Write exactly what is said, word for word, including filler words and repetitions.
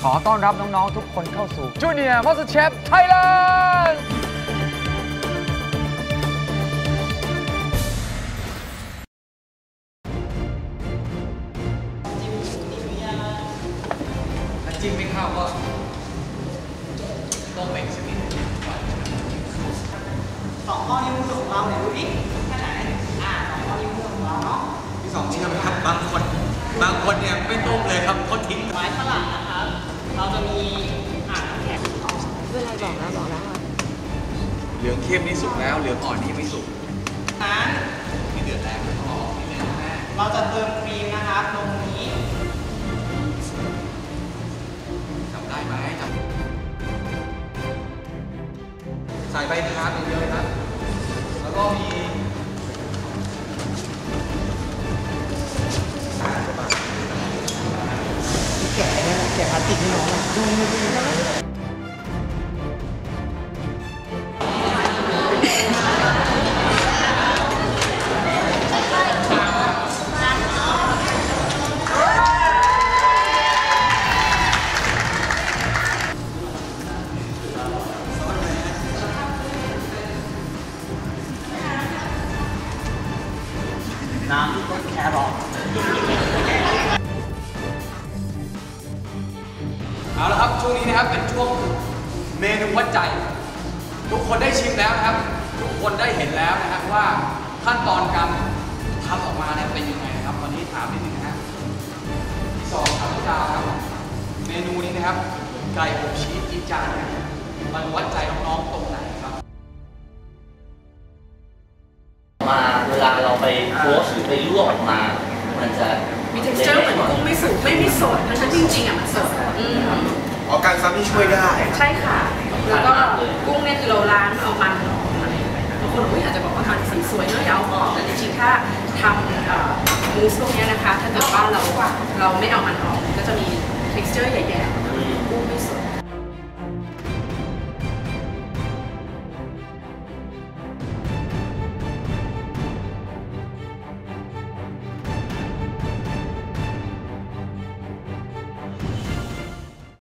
ขอต้อนรับน้องๆทุกคนเข้าสู่ Junior MasterChef Thailand ถ้าจิ้มไม่เข้าก็ต้มเองสักนิดสองข้อนิ้วมือของเราเนี่ยดูดิแค่ไหนอ่าสองข้อนิ้วมือของเราเนาะพี่สองเชื่อไหมครับบางคนบางคนเนี่ยไม่ต้มเลยครับเขาทิ้งไม้ฝรั่งนะครับเราจะมีอ่างน้ำแข็งเวลาบอกนะบอกแล้วเหลืองเข้มนี่สุกแล้วเหลืองอ่อนนี่ไม่สุกนั้นนี่เดือดแรงอ๋อนี่เลยนะแม่เราจะเติมครีมนะครับลงนี้จำได้ไหมจำใส่ใบทานอย่างเดียวเลยครับแล้วก็มีแกะเนี่ยแกะพลาสติกให้น้องดูดูดูน้ำที่ต้นแครอทเอาละครับช่วงนี้นะครับเป็นช่วงเมนูวัดใจทุกคนได้ชิมแล้วนะครับทุกคนได้เห็นแล้วนะครับว่าขั้นตอนการทำออกมาเนี่ยเป็นยังไงนะครับตอนนี้ถามนิดนึงนะฮะที่สองครับพี่ดาวครับเมนูนี้นะครับไก่อบชีสจีจานเนี่ยมันวัดใจน้องๆตรงไหนครับมาเวลาเราไปโคชหรือไปลวกออกมามันจะมี texture เหมือนกุ้งไม่สุกไม่มีสดทั้งที่จริงๆอ่ะมันสดอ๋อการซ้ำที่ช่วยได้ใช่ค่ะแล้วก็กุ้งเนี่ยคือเราล้างเอามันออกอะไรอย่างเงี้ยบางคนอาจจะบอกว่าทำสีสวยเนอะอย่าเอาออกแต่จริงๆถ้าทำมูสพวกนี้นะคะถ้าเกิดว่าเราเราไม่เอามันออกก็จะมี texture ใหญ่ๆกุ้งไม่สด